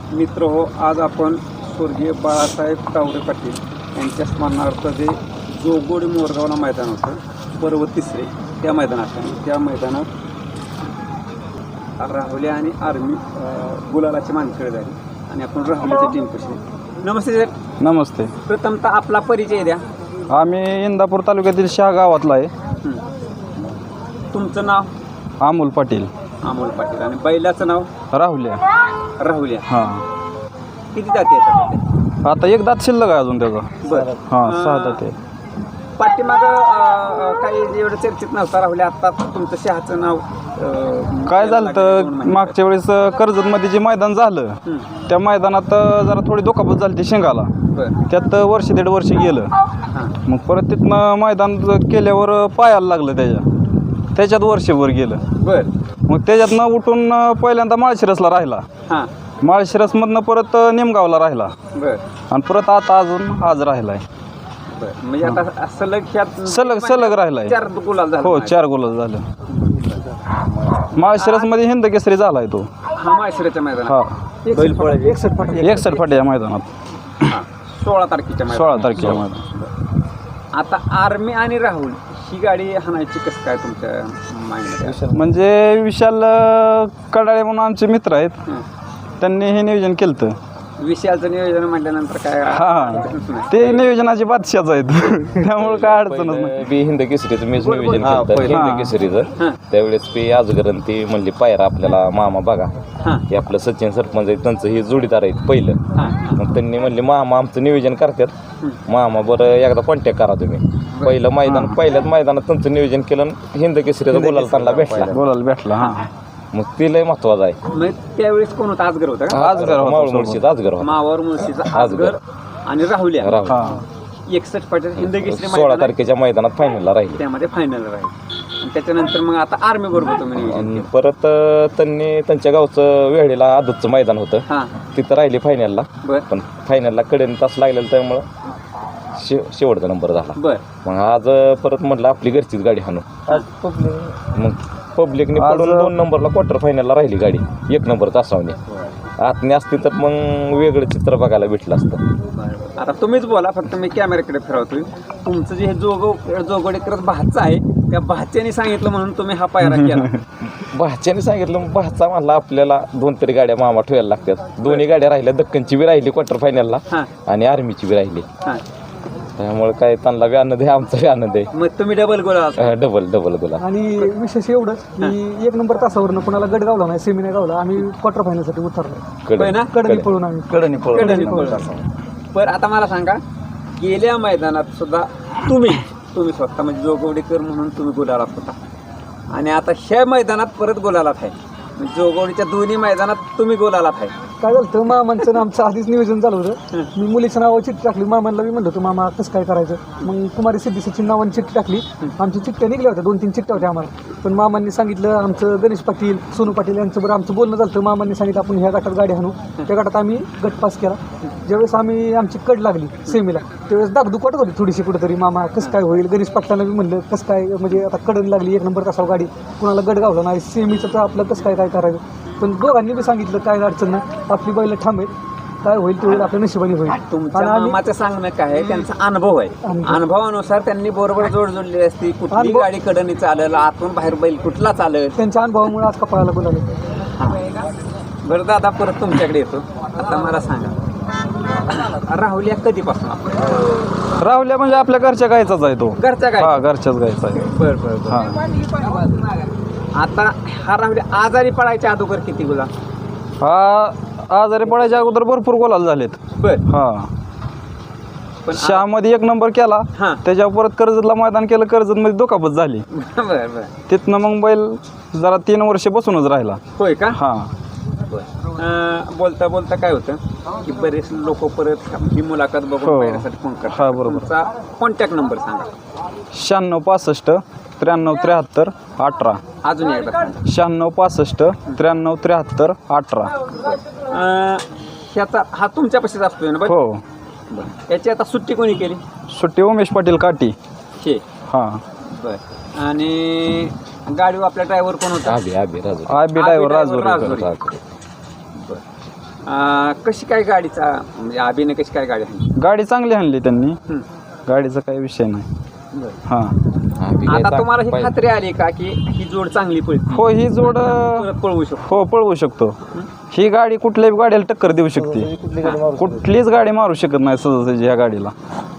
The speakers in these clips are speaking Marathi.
मित्र हो, आज आपण स्वर्गीय बाळासाहेब तावरे पाटील यांच्या स्मरणार्थ जे जोगोडी मोरगावला मैदान होतं पर्व तिसरे, त्या मैदानात राहुल्या आणि आर्मी गुलालाची मानकड झाली आणि आपण राहुल्याच्या टीम कशी. नमस्ते सर. नमस्ते. प्रथमतः आपला परिचय द्या. आम्ही इंदापूर तालुक्यातील शहा गावातला आहे. तुमचं नाव? अमोल पाटील. अमोल पाटील. आणि बैलाचं नाव? राहुल्या. राहुल्या. हां. किती जाती आहेत? आता एक दात शिल्लक आहे अजून त्याचा. बरं. हां, 6 दात आहे. पाठीमागं काही एवढं चर्चेत नव्हता राहुल्या, आता तुमचं शहाचं नाव काय झालं तर मागच्या वेळेस कर्जतमध्ये जे मैदान झालं त्या मैदानात जरा थोडी दुखापत झाली ती शेंगाला. त्यात वर्ष 1.5 वर्ष गेलं. मग परत तिथनं मैदान केल्यावर पायाला लागलं, त्याच्यात वर्षभर गेलं. मग त्याच्यातनं उठून पहिल्यांदा माळशिरसला राहिला. माळशिरसमधनं परत निमगावला राहिला आणि परत आता अजून आज राहिलाय. म्हणजे आता सलग राहिलाय. 4 गुलाल झाले. हो, 4 गुलाल झालं. माळशिरसमध्ये हिंद केसरी झालाय तो. माळशिरसच्या मैदानात. हा, 61 फाट्या मैदानात 16 तारखेच्या 16 तारखेच्या मैदानात. आता आर्मी आणि राहुल ही गाडी हाणायची कसं काय तुमच्या माइंडमध्ये? म्हणजे विशाल कडाळे म्हणून आमचे मित्र आहेत, त्यांनी हे नियोजन केलं. विशालचं नियोजन म्हटल्यानंतर काय, हा, ते नियोजनाचे बादशाच आहेत. त्यामुळे काय अडचणच नाही. हिंद केसरीचं मीच नियोजन केलं हिंद केसरीचं. त्यावेळेस मी आजगरण ती म्हणली पायरा आपल्याला मामा बघा, हे आपलं सचिन सरपंच आहे त्यांचं हे जोडीदार आहेत पहिलं. मग त्यांनी म्हणले मामा आमचं नियोजन करतात, मामा बरं एकदा कॉन्टॅक्ट करा तुम्ही. पहिल्याच मैदानात त्यांचं नियोजन केलं, हिंद केसरीचा गुलाल त्यांना भेटला. हा, मग ते लय महत्वाचं आहे. मग त्यावेळेस कोण होता? आजगर होता का? आजगर, मावळ मुळशीचा आजगर होता. मावळ मुळशीचा आजगर आणि राहुल्या. 61 फाट्या हिंद केसरी 16 तारखेच्या मैदानात फायनलला राहील. त्यामध्ये फायनल राहील. आणि त्याच्यानंतर मग आता आर्मी बरोबर तुम्ही नियोजन परत त्यांनी त्यांच्या गावचं वेळेला आदतचं मैदान होतं, तिथं राहिली फायनलला. पण फायनलला कडेने तास लागलेला, त्यामुळं शेवटचा नंबर झाला. मग आज परत म्हटलं आपली घरचीच गाडी हाणू. मग पब्लिकने पडून 2 नंबरला क्वार्टर फायनलला राहिली गाडी, 1 नंबर तासावणी. आतने असती तर मग वेगळं चित्र बघायला भेटलं असतं. आता तुम्हीच बोला, फक्त मी कॅमेऱ्याकडे फिरवतोय. तुमचं जे हे जोगोडेकर भाचा आहे, त्या भाच्याने सांगितलं म्हणून तुम्ही हा पायरा केला. भाच्याने सांगितलं, भाचा म्हणला आपल्याला 2 तरी गाड्या मामा ठेवायला लागतात. दोन्ही गाड्या राहिल्या, दक्कनची बी राहिली क्वार्टर फायनलला आणि आर्मीची बी राहिली. त्यामुळे काय त्यांना बी आनंद आहे, आमचा बी आनंद आहे. मग तुम्ही डबल गोला. आणि विशेष एवढंच की 1 नंबर तासावरनं कोणाला गट गावला नाही, सेमी नाही गावला, आम्ही क्वार्टर फायनलसाठी उतरलो. कडनी पळून आम्ही कडनी पळून. पण आता मला सांगा, गेल्या मैदानात सुद्धा तुम्ही स्वतः म्हणजे जोगवडेकर म्हणून तुम्ही गुलालात होता आणि आता ह्या मैदानात परत गुलालात आहे. जोगवडीच्या दोन्ही मैदानात तुम्ही गुलालात आहे. काय झालं तर मामांचं आमचं आधीच नियोजन झालं होतं. मी मुलीचं नावावर चिठ्ठी टाकली, मामांना मी म्हणलं होतं मामा कसं काय करायचं. मग कुमारी सिद्धी सचिन नावाने चिठ्ठी टाकली. आमची चिठ्ठ्या निघल्या होत्या, 2-3 चिठ्ठ्या होत्या आम्हाला. पण मामांनी सांगितलं, आमचं गणेश पाटील, सोनू पाटील यांच्याबरोबर आमचं बोलणं झालं तर मामांनी सांगितलं आपण ह्या गटात गाडी आणू. त्या गटात आम्ही गट पास केला. ज्यावेळेस आमची कड लागली सेमीला, त्यावेळेस दागदुख वाटत होती थोडीशी कुठेतरी, मामा कसं काय होईल. गणेश पाटलांना बी म्हणलं कसं काय, म्हणजे आता कडन लागली 1 नंबर तासावर गाडी, कुणाला गट गावला नाही, सेमीचं तर आपलं कसं काय करायचं. पण दोघांनी बी सांगितलं काय अडचण नाही, आपली बैल ठाम आहेत, काय होईल ते होईल, आपल्या नशिबाने होईल. तुमच्या मामाचं सांगणं काय आहे, त्यांचा अनुभव आहे. अनुभवानुसार त्यांनी बरोबर जोडलेली असती. कुठली गाडी कडनी चालेल, आतून बाहेर बैल कुठला चालेल, त्यांच्या अनुभवामुळे आज कपाळाला बोलावलं. बरं दादा, परत तुमच्याकडे येतो. आता मला सांगा, राहुल्या कधीपासून? राहुल्या म्हणजे आपल्या घरच्या गायचाच आहे तो. घरच्या गाय? हा, घरच्याच गायचा आहे. बरं. आता हा राहुल्या आजारी पडायच्या अगोदर किती गुलाल? हा, आजारी पडायच्या अगोदर भरपूर गुलाल झालेत. हा, पण शहामध्ये 1 नंबर केला. त्याच्यावर परत कर्जतला मैदान केलं, कर्जतमध्ये दुखापत झाली. तिथनं मग बैल जरा 3 वर्ष बसूनच राहिला. होय का? हा. बोलता बोलता काय होतं की बरेच लोक परत ही मुलाखत बघून पाहण्यासाठी फोन करतात. हा, बरोबर. तुमचा कॉन्टॅक्ट नंबर सांगा. 96 65 93 73 18. अजून एकदा. 96 65 93 73 18. ह्याचा हा तुमच्यापाशीच असतोय ना? हो. याची आता सुट्टी कोणी केली? सुट्टी उमेश पाटील काठी. हा. बरं. आणि गाडीवर आपला ड्रायव्हर कोण होता? आबी ड्रायव्हर राजूर. कशी काय गाडीचा म्हणजे अभिनय कशी काय गाडी आहे? गाडी चांगली आणली त्यांनी, गाडीचा काही विषय नाही. हां आता तुम्हाला ही खात्री आली का की ही जोड चांगली पळते? हो, ही जोड परत पळवू शकतो? हो पळवू शकतो. ही गाडी कुठल्याही गाडीला टक्कर देऊ शकते, कुठलीच गाडी मारू शकत नाही सहजासहजी ह्या गाडीला.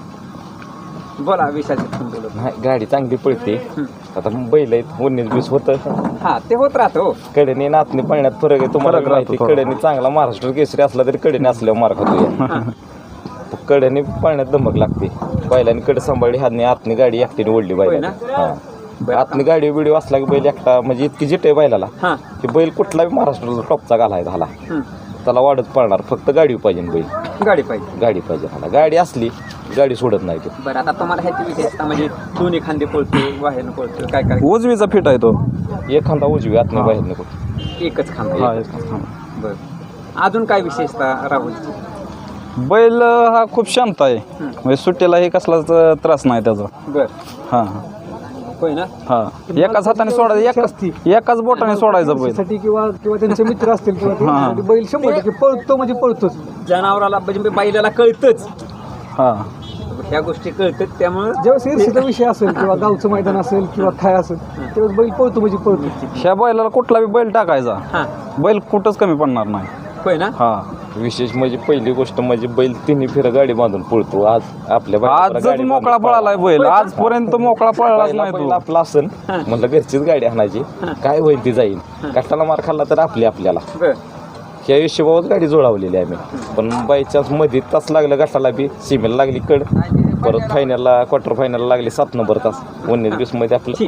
बोला विशाल बोलत. नाही गाडी चांगली पळते. आता बैल आहेत 19-20 होतं. हा ते होत राहतो. कडेने नातनी पळण्यात फरक आहे तुम्हाला फरक माहिती. राहतो. कडेने चांगला महाराष्ट्र केसरी असला तरी कडेने असल्यावर मार खातो. कडेने पळण्यात धमक लागते. बैलांनी कडे सांभाळली, हातनी आतनी गाडी एकटीने ओढली बैला. आतनी गाडी बिडी असला की बैल एकटा म्हणजे इतकी जिट आहे बैलाला की बैल कुठलाही महाराष्ट्राला टॉपचा घालायचा झाला त्याला वाढत पळणार. फक्त गाडी पाहिजे बैल, गाडी पाहिजे, गाडी पाहिजे मला. गाडी असली गाडी सोडत नाही ते. बरं आता तुम्हाला ह्याची विशेषता म्हणजे दोन्ही खांदे पळतो, बाहेरनं पळतो, काय काय? उजवीचा फिट आहे तो. एक खांदा उजवी आतनी बाहेर नको. एकच खांदा. हा, एकच खांदा. बरं अजून काय विशेषता राहुलची? बैल हा खूप शांत आहे, म्हणजे सुट्टीलाही कसलाच त्रास नाही त्याचा. बरं हां होय ना. हां, एकाच हाताने सोडायचं, एकाच बोटाने सोडायचं बैल. साठी किंवा त्यांचे मित्र असतील किंवा त्यांच्यासाठी बैल 100% पळतो म्हणजे पळतोच. जनावराला म्हणजे बैलाला कळतंच, हां ह्या गोष्टी कळतात. त्यामुळे जेव्हा ईर्षेचा विषय असेल किंवा गावचं मैदान असेल किंवा काय असेल तेव्हा बैल पळतो म्हणजे पळतो. ह्या बैलाला कुठला बी बैल टाकायचा, बैल कुठंच कमी पडणार नाही. होय ना. हां विशेष म्हणजे पहिली गोष्ट म्हणजे बैल तिन्ही फेर गाडी बांधून पळतो. आज आपल्या आज मोकळा पळालाय बैल, आजपर्यंत मोकळा पळलाच नाही तो. आपला असन म्हणलं घरचीच गाडी आणायची, काय होईल ती जाईल. कष्टाला मार खाल्ला तर आपल्याला ह्या हिशोबावर गाडी जोडावलेली आम्ही. पण बायचान्स मध्ये तास लागला गटाला बी, सीमेला लागली कड, परत फायनलला क्वार्टर फायनलला लागली 7 नंबर तास 19-20 मध्ये आपलं.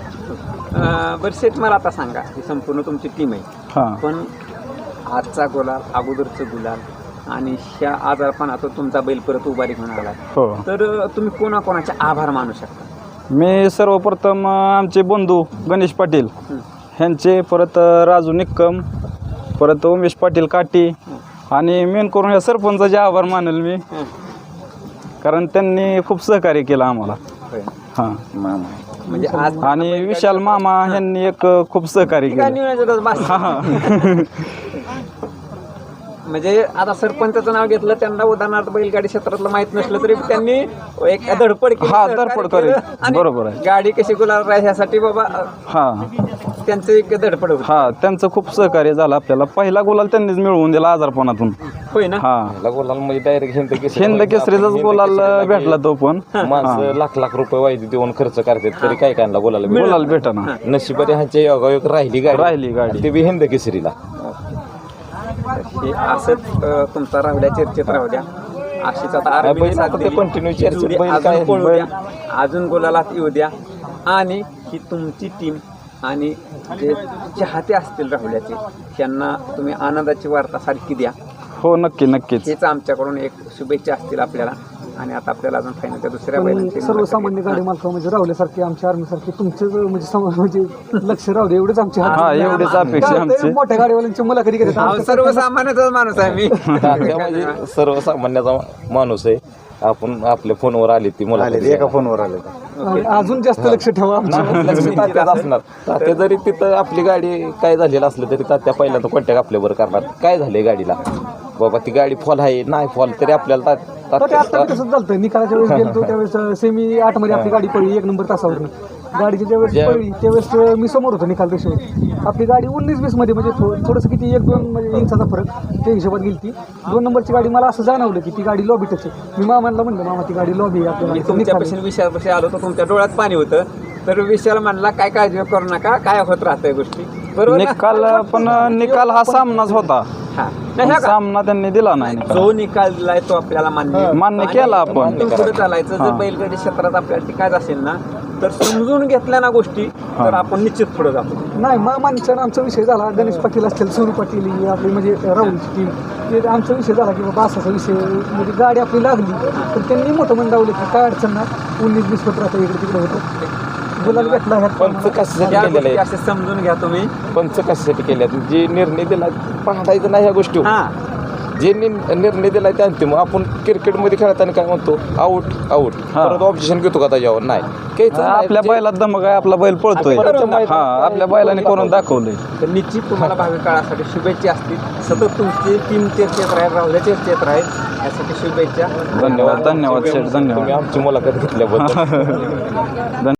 बरं शेठ मला आता सांगा, ही संपूर्ण तुमची टीम आहे, हां पण आजचा गुलाल, अगोदरचं गुलाल आणि ह्या आजारपणातून तुमचा बैल परत उभारी घेऊन आला, हो. तर तुम्ही कोणाकोणाचे आभार मानू शकता? मी सर्वप्रथम आमचे बंधू गणेश पाटील ह्यांचे, परत राजू निक्कम, परत उमेश पाटील काटी, आणि मेन करून या सरपंचाचे आभार मानेल मी, कारण त्यांनी खूप सहकार्य केलं आम्हाला. हां म्हणजे आज आणि विशाल मामा यांनी एक खूप सहकार्य केलं. म्हणजे आता सरपंचाचं नाव घेतलं, त्यांना उदाहरणार्थ बैलगाडी क्षेत्रातलं माहित नसलं तरी त्यांनी एक धडपड केली. हा, धडपड करेल, बरोबर आहे. गाडी कशी गुलाल राहील ह्यासाठी बाबा हां त्यांचं एक धडपड होती. हां, त्यांचं खूप सहकार्य झालं आपल्याला. पहिला गुलाल त्यांनीच मिळवून दिला आजारपणातून. होय ना. हां, गुलाल म्हणजे डायरेक्ट हिंद केसरीचाच गुलाल भेटला तो. पण माणसं लाख रुपये वायदी देऊन खर्च करतात तरी काय कायला गुलाल भेटना. नशिबाने ह्यांच्या योगायोग राहिली गाडी, ते बी हिंद केसरीला. हे असंच तुमचा राहुल्या चर्चेत राहू द्या. अशीच आता कंटिन्यू चर्चेत अजून गुलालात येऊ द्या. आणि ही तुमची टीम आणि जे चाहते असतील राहुल्याचे, त्यांना तुम्ही आनंदाची वार्ता सारखी द्या. हो, नक्कीच. हेच आमच्याकडून एक शुभेच्छा असतील आपल्याला. आणि आता आपल्याला अजून फायनलच्या दुसऱ्या बैलांची सर्वसामान्य गाडी मालक म्हणजे राहुल्यासारखे, आमच्या आर्मीसारखे तुमचं म्हणजे लक्ष राहू दे एवढंच आमची एवढीच अपेक्षा आमची. मोठ्या गाडीवाल्यांची मुलाखती घेतात. सर्वसामान्याचाच माणूस आहे मी. म्हणजे सर्वसामान्याचा माणूस आहे. आपण आपल्या फोनवर आली ती मला एका फोनवर आले. अजून जास्त लक्ष ठेवा असणार. तात्या जरी तिथं आपली गाडी काय झालेलं असलं तरी तात्या पहिल्यांदा कॉन्टॅक्ट आपल्यावर करणार. काय झालंय गाडीला बाबा, ती गाडी फॉल आहे नाही फॉल तरी आपल्याला आता तसंच झालं. निकालाच्या वेळेस गेलो त्यावेळेस सेमी 8 मध्ये आपली गाडी पडली 1 नंबर तासावर. गाडीची ज्यावेळेस पडली त्यावेळेस मी समोर होतो निकाल रेषेवर. आपली गाडी 19-20 मध्ये म्हणजे थोडंसं किती 1-2 म्हणजे इंचाचा फरक त्या हिशोबात गेली ती. 2 नंबरची गाडी मला असं जाणवलं की ती गाडी लॉबीटच आहे. मी मामाला म्हणलं, मामा ती गाडी लॉबी आहे. तुमच्यापासून विषयापाशी आलो तर तुमच्या डोळ्यात पाणी होतं, तर विषयाला म्हणला काय काळजी करू नका, काय होत राहतंय गोष्टी बरोबर. निकाल हा सामनाच होता. सामना त्यांनी दिला नाही. जो निकाल दिलाय तो आपल्याला मान्य केला आपण. पुढे चालायचं. जर बैलगाडी क्षेत्रात आपल्याला टिकायचं असेल ना, तर समजून घेतल्या ना गोष्टी, तर आपण निश्चित पुढे जातो. नाही मामांचा आमचा विषय झाला. गणेश पाटील असतील, सोनू पाटील आपली म्हणजे राहुलची टीम, ते आमचा विषय झाला की बाबा असाचा विषय म्हणजे गाडी आपली लागली तर त्यांनी मोठं मंदावलं की काय अडचण ना 19-20 पत्र आता इकडे तिकडे होतं. गुलाल भेटला पंच कशासाठी केलेलं आहे समजून घ्या तुम्ही. पंच कशासाठी केल्या जी निर्णय दिला पाहतायचं नाही ह्या गोष्टी. जे निर्णय दिलाय ते अंतिम. आपण क्रिकेटमध्ये खेळताना काय म्हणतो, आऊट आऊट, परत ऑब्जेक्शन घेतो का त्याच्यावर? नाही, घ्यायचं नाही. आपल्या बैलात धमक आहे, आपला बैल पळतोय. हा, आपल्या बैलाने करून दाखवलंय. तर निश्चित तुम्हाला भावी काळासाठी शुभेच्छा असतील. सतत तुमची टीम चर्चेत राहील, राहुल्या चर्चेत राहील, यासाठी शुभेच्छा. धन्यवाद शेठ, धन्यवाद. तुम्ही आमची मुलाखत घेतल्याबद्दल.